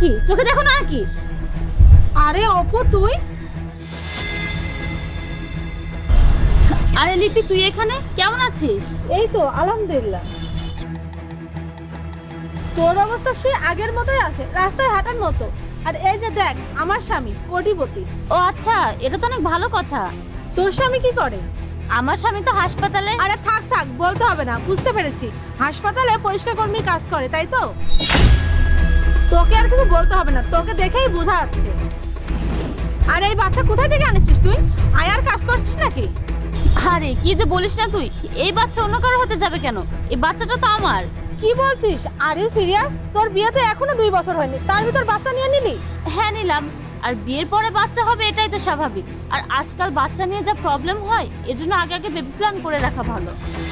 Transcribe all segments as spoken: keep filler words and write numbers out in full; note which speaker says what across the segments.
Speaker 1: কি চোখে দেখো না কি?
Speaker 2: আরে অপু তুই?
Speaker 1: আরে লিপি তুই এখানে কেমন আছিস?
Speaker 2: এই তো আলহামদুলিল্লাহ। তোর অবস্থা সে আগের মতোই আছে, রাস্তায় হাঁটার মতো। আর এই যে দেখ আমার স্বামী কোটিপতি।
Speaker 1: ও আচ্ছা, এটা তো অনেক ভালো কথা।
Speaker 2: তোর স্বামী কি করে?
Speaker 1: আমার স্বামী তো হাসপাতালে।
Speaker 2: আরে থাক থাক বলতে হবে না, বুঝতে পেরেছি। হাসপাতালে পরিষ্কার কর্মী কাজ করে, তাই তো? তোকে আর কিছু বলতে হবে না, তোকে দেখেই বোঝা যাচ্ছে। আর এই বাচ্চা কোথায় থেকে আনিছিস তুই? আয়ার কাজ করছিস নাকি?
Speaker 1: আরে কি যে বলিস না তুই, এই বাচ্চা অন্য কারো হতে যাবে কেন? এই বাচ্চাটা তো আমার।
Speaker 2: কি বলছিস? Are you serious? তোর বিয়ে তো এখনো দুই বছর হয়নি, তার ভিতর বাচ্চা নিয়ে নিলি?
Speaker 1: হ্যাঁ নিলাম। আর বিয়ের পরে বাচ্চা হবে এটাই তো স্বাভাবিক। আর আজকাল বাচ্চা নিয়ে যা প্রবলেম হয়, এজন্য আগে আগে বেবি প্ল্যান করে রাখা ভালো।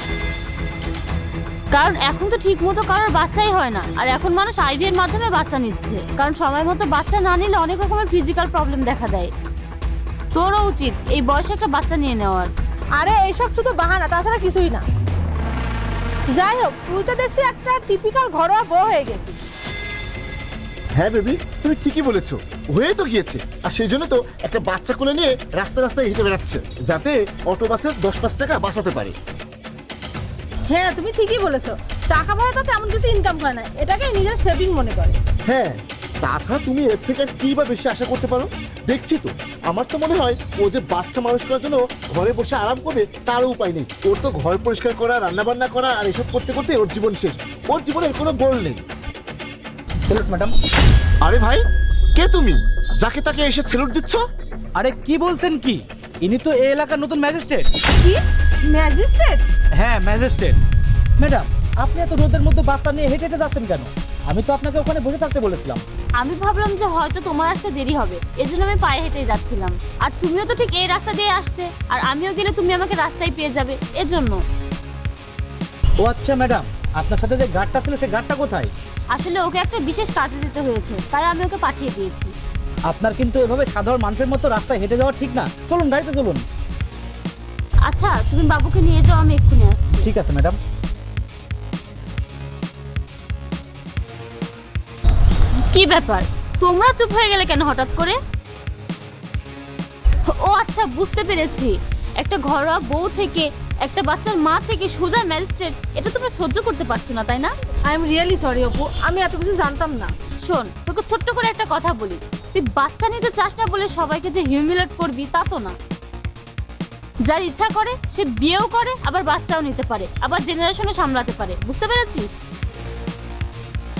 Speaker 1: কারণ এখন তো ঠিক মতো কারোর বাচ্চাই হয় না। আর এখন মানুষ আইভি এর মাধ্যমে বাচ্চা নিচ্ছে, কারণ সময় মতো বাচ্চা না নিলে অনেক রকমের ফিজিক্যাল প্রবলেম দেখা দেয়। তোরও উচিত এই বয়সে একটা বাচ্চা নিয়ে নেওয়ার।
Speaker 2: আরে এইসব শুধু বাহানা, তাছাড়া কিছুই না। যাই হোক, তুই তো দেখছি একটা টিপিক্যাল ঘরোয়া বউ হয়ে গেছিস।
Speaker 3: হ্যাঁ বেবি, তুমি ঠিকই বলেছো, হয়ে তো গিয়েছে। আর সেই জন্য তো একটা বাচ্চা কোলে নিয়ে রাস্তা রাস্তায় হেঁটে বেড়াচ্ছে, যাতে অটো বাসের দশ পাঁচ টাকা বাঁচাতে পারে।
Speaker 2: হ্যাঁ তুমি ঠিকই বলেছো, টাকা পয়সা তো তেমন কিছু ইনকাম করে না, এটাকে নিজের সেভিং মনে করে।
Speaker 3: হ্যাঁ, তাছাড়া তুমি এর থেকে আর কি বা বেশি আশা করতে পারো? দেখছি তো, আমার তো মনে হয় ও যে বাচ্চা মানুষ করার জন্য ঘরে বসে আরাম করবে তারও উপায় নেই। ওর তো ঘর পরিষ্কার করা, রান্না বান্না করা আর এসব করতে করতে ওর জীবন শেষ। ওর জীবনের কোনো গোল নেই।
Speaker 4: Salute madam.
Speaker 3: আরে ভাই, কে তুমি? যাকে তাকে এসে স্যালুট দিচ্ছ?
Speaker 4: আরে কি বলছেন কি? ইনি তো এই এলাকার নতুন ম্যাজিস্ট্রেট।
Speaker 2: কি ম্যাজিস্ট্রেট?
Speaker 4: হ্যাঁ ম্যাজিস্ট্রেট। ম্যাডাম, আপনি এত রোদের মধ্যে বাচ্চা নিয়ে হেঁটে হেঁটে যাচ্ছেন কেন? আমি তো আপনাকে ওখানে বসে থাকতে বলেছিলাম।
Speaker 1: আমি ভাবলাম যে হয়তো তোমার আসতে দেরি হবে, এজন্য আমি পায়ে হেঁটে যাচ্ছিলাম। আর তুমিও তো ঠিক এই রাস্তা দিয়ে আসতে, আর আমিও গেলে তুমি আমাকে রাস্তায় পেয়ে যাবে, এজন্য।
Speaker 4: ও আচ্ছা ম্যাডাম, আপনার সাথে যে গার্ডটা ছিল সেই গার্ডটা কোথায়?
Speaker 1: আসলে ওকে একটা বিশেষ কাজে যেতে হয়েছে, তাই আমি ওকে পাঠিয়ে দিয়েছি।
Speaker 4: আপনার কিন্তু এভাবে সাধারণ মানুষের মতো রাস্তায় হেঁটে যাওয়া ঠিক না। চলুন গাড়িতে চলুন।
Speaker 1: আচ্ছা তুমি বাবুকে নিয়ে যাও, আমি এক্ষুনি আসছি।
Speaker 4: ঠিক আছে ম্যাডাম।
Speaker 1: কি ব্যাপার, তোমরা চুপ হয়ে গেলে কেন হঠাৎ করে? ও আচ্ছা, বুঝতে পেরেছি। একটা ঘরোয়া বউ থেকে, একটা বাচ্চার মা থেকে সোজা ম্যাজিস্ট্রেট, এটা তোমরা সহ্য করতে পারছো না, তাই না?
Speaker 2: I am really sorry Apu, আমি এত কিছু জানতাম না।
Speaker 1: শোন, তোকে ছোট্ট করে একটা কথা বলি, তুই বাচ্চা নিতে চাস না বলে সবাইকে যে হিউমিলেট করবি তা তো না। যার ইচ্ছা করে সে বিয়েও করে, আবার বাচ্চাও নিতে পারে, আবার জেনারেশনও সামলাতে পারে, বুঝতে পেরেছিস?